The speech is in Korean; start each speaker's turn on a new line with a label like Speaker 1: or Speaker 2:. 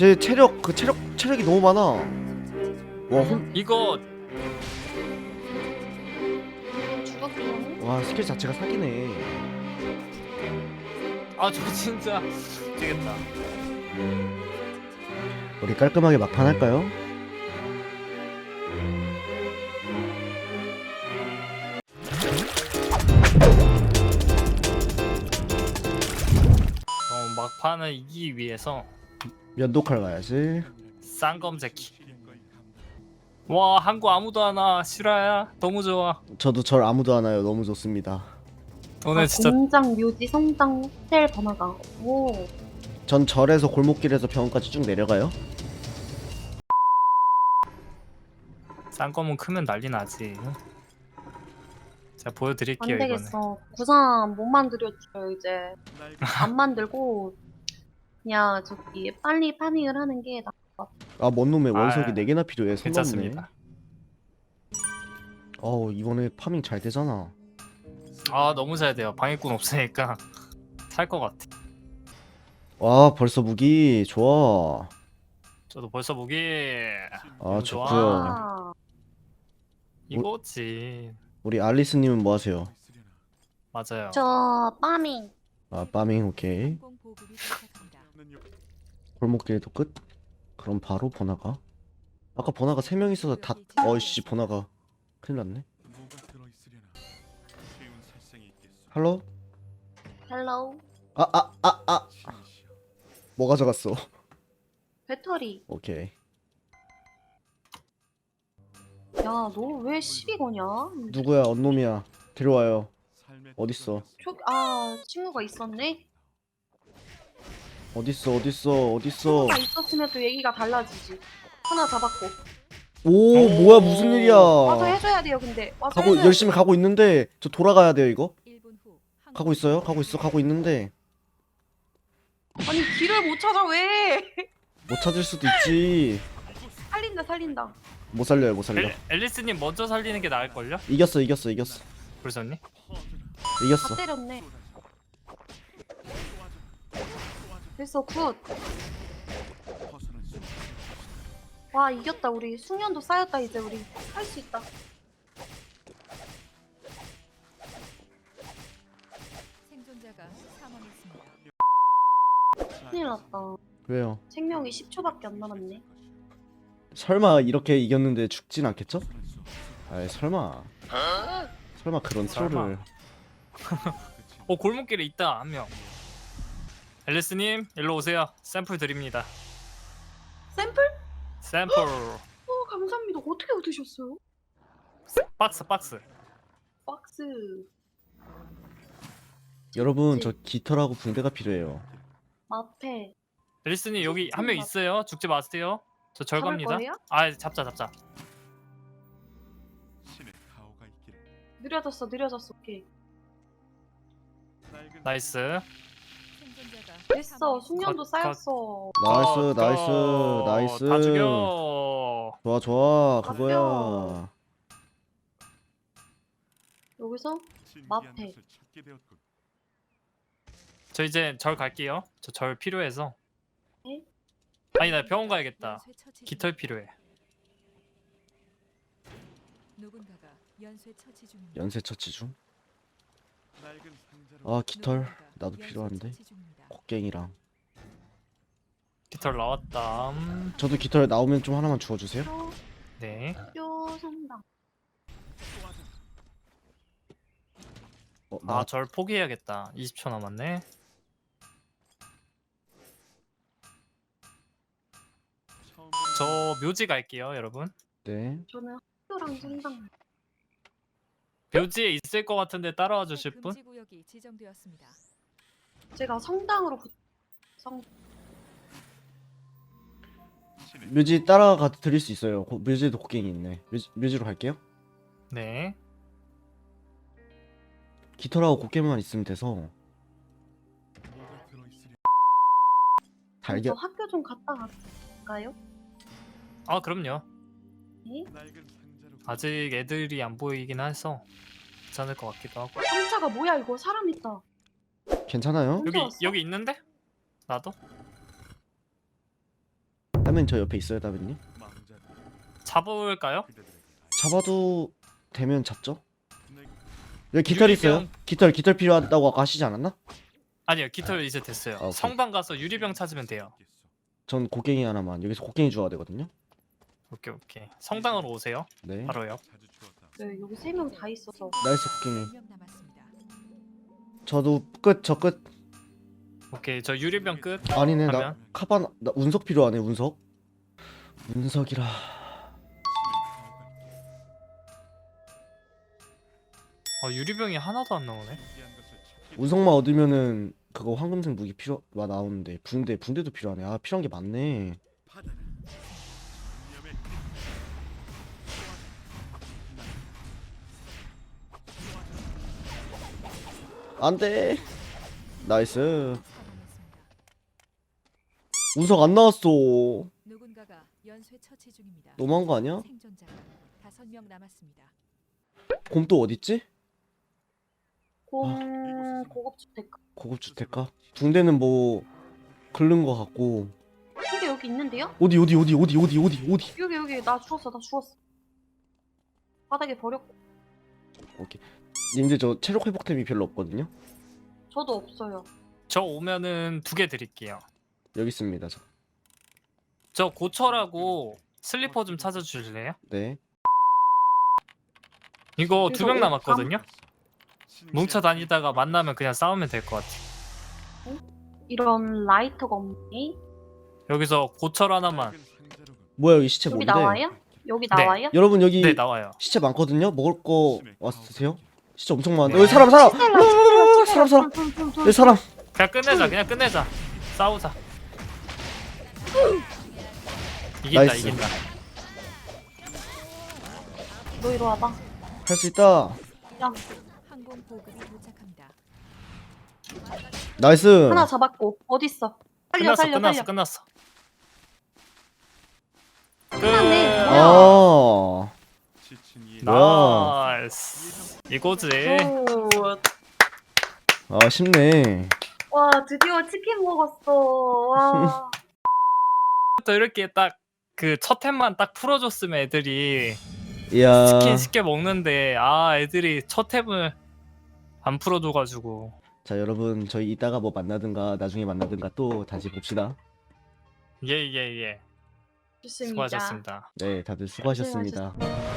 Speaker 1: 제 체력이 너무 많아. 와,
Speaker 2: 이거
Speaker 3: 죽었어.
Speaker 1: 와, 스킬 자체가 사기네.
Speaker 2: 아 저 진짜 되겠다.
Speaker 1: 우리 깔끔하게 막판 할까요?
Speaker 2: 막판을 이기기 위해서
Speaker 1: 면도칼 가야지.
Speaker 2: 쌍검새끼. 와 한국 아무도 안 와. 실화야 너무 좋아.
Speaker 1: 저도 절 아무도 안 와요. 너무 좋습니다.
Speaker 2: 오늘 진짜
Speaker 3: 공장, 묘지, 성당, 호텔 번화가. 오.
Speaker 1: 전 절에서 골목길에서 병원까지 쭉 내려가요.
Speaker 2: 쌍검은 크면 난리 나지. 제가 보여드릴게요
Speaker 3: 안
Speaker 2: 이거는.
Speaker 3: 되겠어. 구상 못 만들었죠 이제. 안 만들고 그냥 저기 빨리 파밍을 하는 게 나.
Speaker 1: 아, 뭔 놈의 원석이
Speaker 2: 아,
Speaker 1: 4개나 필요해. 손 넘네.
Speaker 2: 괜찮습니다.
Speaker 1: 어우, 이번에 파밍 잘 되잖아.
Speaker 2: 아 너무 잘 돼요. 방해꾼 없으니까 살 것 같아.
Speaker 1: 와, 벌써 무기 좋아.
Speaker 2: 저도 벌써 무기.
Speaker 1: 아,
Speaker 2: 너무
Speaker 1: 좋고요.
Speaker 2: 좋아.
Speaker 3: 아,
Speaker 2: 이거지.
Speaker 1: 우리 알리스님은 뭐 하세요?
Speaker 2: 맞아요.
Speaker 3: 저 파밍.
Speaker 1: 아, 파밍 오케이. 골목길도 끝? 그럼 바로 번화가. 아까 번화가 3명 있어서 다 어이씨 번화가 큰일 났네. 할로?
Speaker 3: 헬로우.
Speaker 1: 뭐 가져갔어?
Speaker 3: 배터리.
Speaker 1: 오케이.
Speaker 3: 야, 너 왜 시비 거냐?
Speaker 1: 누구야? 언놈이야. 데려와요. 어딨어?
Speaker 3: 친구가 있었네?
Speaker 1: 어딨어?
Speaker 3: 친구가 있었으면 또 얘기가 달라지지. 하나 잡았고.
Speaker 1: 오, 뭐야? 무슨 일이야?
Speaker 3: 와서 해줘야 돼요, 근데. 와서
Speaker 1: 가고
Speaker 3: 해줘야
Speaker 1: 열심히
Speaker 3: 돼.
Speaker 1: 가고 있는데 저 돌아가야 돼요, 이거? 가고 있어요? 가고 있는데
Speaker 3: 아니, 길을 못 찾아, 왜?
Speaker 1: 못 찾을 수도 있지.
Speaker 3: 살린다.
Speaker 1: 못 살려.
Speaker 2: 앨리스님 먼저 살리는 게 나을걸요?
Speaker 1: 이겼어.
Speaker 2: 불선님?
Speaker 1: 이겼어.
Speaker 3: 다 때렸네. 됐어, 굿. 와, 이겼다. 우리 숙련도 쌓였다. 이제 우리 할 수 있다.
Speaker 4: 생존자가 사망했습니다.
Speaker 3: 큰일 났다.
Speaker 1: 왜요?
Speaker 3: 생명이 10초밖에 안 남았네.
Speaker 1: 설마 이렇게 이겼는데 죽진 않겠죠? 아이, 설마 그런
Speaker 2: 설마.
Speaker 1: 트롤을.
Speaker 2: 골목길에 있다 한 명. 앨리스님 일로 오세요. 샘플 드립니다.
Speaker 3: 샘플?
Speaker 2: 샘플.
Speaker 3: 감사합니다. 어떻게 얻으셨어요?
Speaker 2: 박스.
Speaker 3: 박스.
Speaker 1: 여러분, 저 깃털하고 붕대가 필요해요.
Speaker 3: 마페.
Speaker 2: 앨리스님 여기 한 명 있어요. 죽지 마세요. 저 절
Speaker 3: 잡을
Speaker 2: 갑니다.
Speaker 3: 거예요?
Speaker 2: 아 잡자.
Speaker 3: 느려졌어. 오케이.
Speaker 2: 나이스.
Speaker 4: 생존자가
Speaker 3: 됐어. 숙련도
Speaker 2: 컷.
Speaker 3: 쌓였어.
Speaker 1: 나이스.
Speaker 2: 다 죽여.
Speaker 1: 좋아. 그거야.
Speaker 3: 여기서 마페.
Speaker 2: 저 이제 절 갈게요. 저 절 필요해서.
Speaker 3: 네?
Speaker 2: 아니 나 병원 가야겠다.
Speaker 4: 연쇄 처치
Speaker 2: 깃털 필요해.
Speaker 4: 누군가가 연쇄 처치 중입니다.
Speaker 1: 연쇄 처치 중. 아, 깃털 나도 필요한데. 곡괭이랑.
Speaker 2: 깃털 나왔다.
Speaker 1: 저도 깃털 나오면 좀 하나만 주워주세요.
Speaker 2: 네.
Speaker 3: 표 성당.
Speaker 1: 나
Speaker 2: 절 포기해야겠다. 20초 남았네. 저 묘지 갈게요, 여러분.
Speaker 1: 네.
Speaker 3: 저는 학교랑 성당.
Speaker 2: 묘지에 있을 것 같은데 따라와 주실 분?
Speaker 4: 금지 구역이 지정되었습니다.
Speaker 3: 제가 성당으로
Speaker 1: 묘지 따라가 드릴 수 있어요. 묘지에도 곡괭이 있네. 묘지로 갈게요.
Speaker 2: 네.
Speaker 1: 깃털하고 곡괭이만 있으면 돼서.
Speaker 3: 저
Speaker 1: 달걀.
Speaker 3: 학교 좀 갔다 갈까요?
Speaker 2: 아, 그럼요.
Speaker 3: 네?
Speaker 2: 아직 애들이 안 보이긴 해서 괜찮을 것 같기도 하고.
Speaker 3: 상자가 뭐야 이거? 사람 있다.
Speaker 1: 괜찮아요?
Speaker 3: 혼자 왔어?
Speaker 2: 여기 있는데? 나도?
Speaker 1: 따면 저 옆에 있어요, 따면님.
Speaker 2: 잡을까요?
Speaker 1: 잡아도 되면 잡죠. 여기 깃털 있어요. 깃털 필요하다고 아까 하시지 않았나?
Speaker 2: 아니요, 깃털 이제 됐어요.
Speaker 1: 오케이.
Speaker 2: 성당 가서 유리병 찾으면 돼요.
Speaker 1: 전 곡괭이 하나만. 여기서 곡괭이 주워야 되거든요.
Speaker 2: 오케이 오케이. 성당으로 오세요.
Speaker 1: 네.
Speaker 2: 바로요.
Speaker 3: 네, 여기 3명 다 있어서.
Speaker 1: 나이스 곡괭이.
Speaker 4: 1명 남았습니다.
Speaker 1: 저도 끝. 저 끝.
Speaker 2: 오케이, 저 유리병 끝.
Speaker 1: 아니네. 나
Speaker 2: 하면?
Speaker 1: 카바나 나 운석 필요하네. 운석. 운석이라.
Speaker 2: 유리병이 하나도 안 나오네.
Speaker 1: 운석만 얻으면은 그거 황금색 무기 필요가 나오는데 붕대도 필요하네. 아, 필요한 게 많네. 안돼. 나이스.
Speaker 4: 사망했습니다.
Speaker 1: 운석 안 나왔어.
Speaker 4: 누군가가 연쇄 처치 중입니다.
Speaker 1: 너무한 거 아니야?
Speaker 4: 생존자가 5명 남았습니다.
Speaker 1: 곰 또 어딨지?
Speaker 3: 고급주택.
Speaker 1: 고급주택가? 붕대는 뭐 긁는 거 같고.
Speaker 3: 근데 여기 있는데요?
Speaker 1: 어디?
Speaker 3: 여기 나 주웠어. 바닥에 버렸고.
Speaker 1: 님들 저 체력 회복템이 별로 없거든요.
Speaker 3: 저도 없어요.
Speaker 2: 저 오면은 2개 드릴게요.
Speaker 1: 여기 있습니다.
Speaker 2: 저 고철하고 슬리퍼 좀 찾아주실래요?
Speaker 1: 네.
Speaker 2: 이거
Speaker 3: 그래서
Speaker 2: 2명
Speaker 3: 옷
Speaker 2: 남았거든요. 뭉쳐 다니다가 만나면 그냥 싸우면 될 것 같아.
Speaker 3: 이런 라이터가 없네.
Speaker 2: 여기서 고철 하나만.
Speaker 1: 뭐야, 여기 시체
Speaker 3: 여기
Speaker 1: 뭔데?
Speaker 3: 나와요? 여기
Speaker 2: 네.
Speaker 3: 나와요?
Speaker 1: 여러분 여기
Speaker 2: 네, 나와요.
Speaker 1: 시체 많거든요. 먹을 거 와서 드세요. 시체 엄청 많은데.
Speaker 2: 네.
Speaker 1: 여기 사람. 사람. 여기 사람.
Speaker 2: 그냥 끝내자. 싸우자.
Speaker 1: 나이스.
Speaker 2: 이긴다.
Speaker 3: 너 이리 와봐.
Speaker 1: 할 수 있다.
Speaker 3: 야,
Speaker 4: 항공 보급이 도착합니다.
Speaker 1: 나이스.
Speaker 3: 하나 잡았고. 어딨어? 살려.
Speaker 2: 끝났어.
Speaker 3: 끝났네.
Speaker 2: 끝.
Speaker 3: 뭐야?
Speaker 1: 아. 뭐야.
Speaker 2: 나이스. 이거지.
Speaker 3: 굿.
Speaker 1: 아, 쉽네.
Speaker 3: 와, 드디어 치킨 먹었어. 와.
Speaker 2: 또 이렇게 딱 그 첫 템만 딱 풀어줬으면 애들이
Speaker 1: 이야.
Speaker 2: 치킨 쉽게 먹는데 애들이 첫 템을 안 풀어줘가지고.
Speaker 1: 자, 여러분 저희 이따가 뭐 만나든가 나중에 만나든가 또 다시 봅시다.
Speaker 2: 예.
Speaker 3: 좋습니다.
Speaker 2: 수고하셨습니다.
Speaker 1: 네, 다들 수고하셨습니다.